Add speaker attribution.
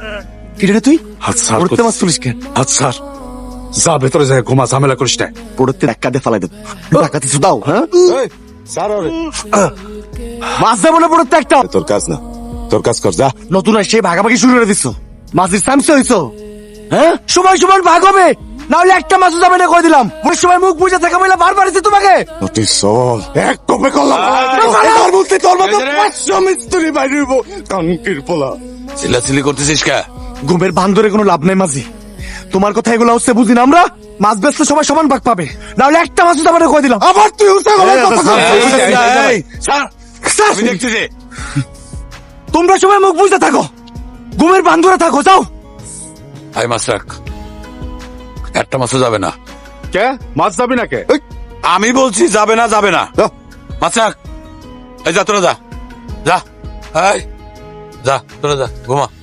Speaker 1: কিরে তুই
Speaker 2: হাত ছাড়
Speaker 1: পড়তে মাছ তুলিস কেন?
Speaker 2: হাত ছাড়, যা ভেতরে যায় ঘুমা, ঝামেলা করিস না।
Speaker 1: পড়তে ধাক্কা দিয়ে ফালাই দেব। টাকা কিছু দাও। হ্যাঁ মাছ দেবো না পড়তে একটা।
Speaker 2: তোর কাজ না, তোর কাজ কর যা।
Speaker 1: নতুন আসে ভাগাভাগি শুরু করে দিচ্ছ। মাছের সামসে হইছো। হ্যাঁ সময় সময় ভাগ হবে, নাহলে একটা মাছও যাবে না কই দিলাম। ওই সময় মুখ বুঝে থাকা বলে বারবার এসে তোমাকে
Speaker 2: নোটিস চল, এক কপে কলা এবার বলতে তোর মতো 500 মিস্ত্রি বাইরে হইব। কানকির পোলা
Speaker 3: চিল্লাচিল্লি করতেছিস কে?
Speaker 1: ঘুমের বান্দরে কোনো লাভ নাই মাঝি। তোমার কথা এগুলো হচ্ছে বুঝি না আমরা। মাছ বেচতে সবাই সমান ভাগ পাবে, নাহলে একটা মাছও যাবে না কই দিলাম।
Speaker 2: আবার তুই উঠে গেলে কথা কর।
Speaker 3: এই, স্যার,
Speaker 1: স্যার,
Speaker 3: আমি দেখতেছি।
Speaker 1: তোমরা সবাই মুখ বুঝতে থাকো, ঘুমের বান্দরে থাকো, যাও।
Speaker 3: আই মাছ রাখ, একটা মাছও যাবে না।
Speaker 2: কে মাছ যাবি না কে?
Speaker 3: আমি বলছি যাবে না, যাবে না। মাছ রাখ। এই যা তোরা যা, যা, এই যা তোরা যা, ঘুমা।